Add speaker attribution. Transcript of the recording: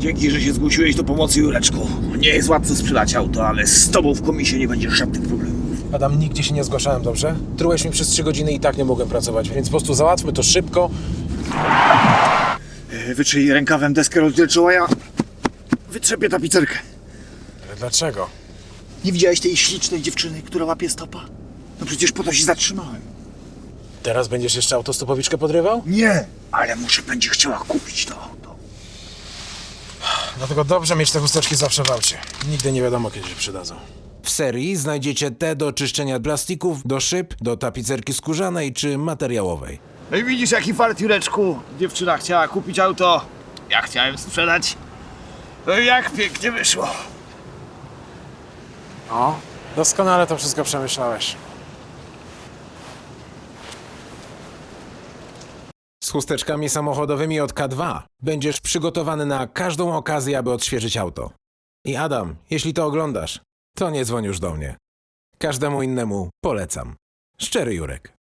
Speaker 1: Dzięki, że się zgłosiłeś do pomocy, Jureczku. Nie jest łatwo sprzedać auto, ale z tobą w komisie nie będzie żadnych problemów.
Speaker 2: Adam, nigdzie się nie zgłaszałem, dobrze? Trułeś mi przez 3 godziny i tak nie mogłem pracować, więc po prostu załatwmy to szybko.
Speaker 1: Wytrzyj rękawem deskę rozdzielczą, a ja wytrzepię tapicerkę.
Speaker 2: Ale dlaczego?
Speaker 1: Nie widziałeś tej ślicznej dziewczyny, która łapie stopa? No przecież po to się zatrzymałem.
Speaker 2: Teraz będziesz jeszcze autostopowiczkę podrywał?
Speaker 1: Nie, ale może będzie chciała kupić to auto.
Speaker 2: Dlatego dobrze mieć te chusteczki zawsze w aucie. Nigdy nie wiadomo, kiedy się przydadzą.
Speaker 3: W serii znajdziecie te do czyszczenia plastików, do szyb, do tapicerki skórzanej czy materiałowej.
Speaker 1: No i widzisz, jaki fart, Jureczku. Dziewczyna chciała kupić auto, ja chciałem sprzedać. No i jak pięknie wyszło.
Speaker 2: O, doskonale to wszystko przemyślałeś.
Speaker 3: Z chusteczkami samochodowymi od K2 będziesz przygotowany na każdą okazję, aby odświeżyć auto. I Adam, jeśli to oglądasz, to nie dzwoń już do mnie. Każdemu innemu polecam. Szczery Jurek.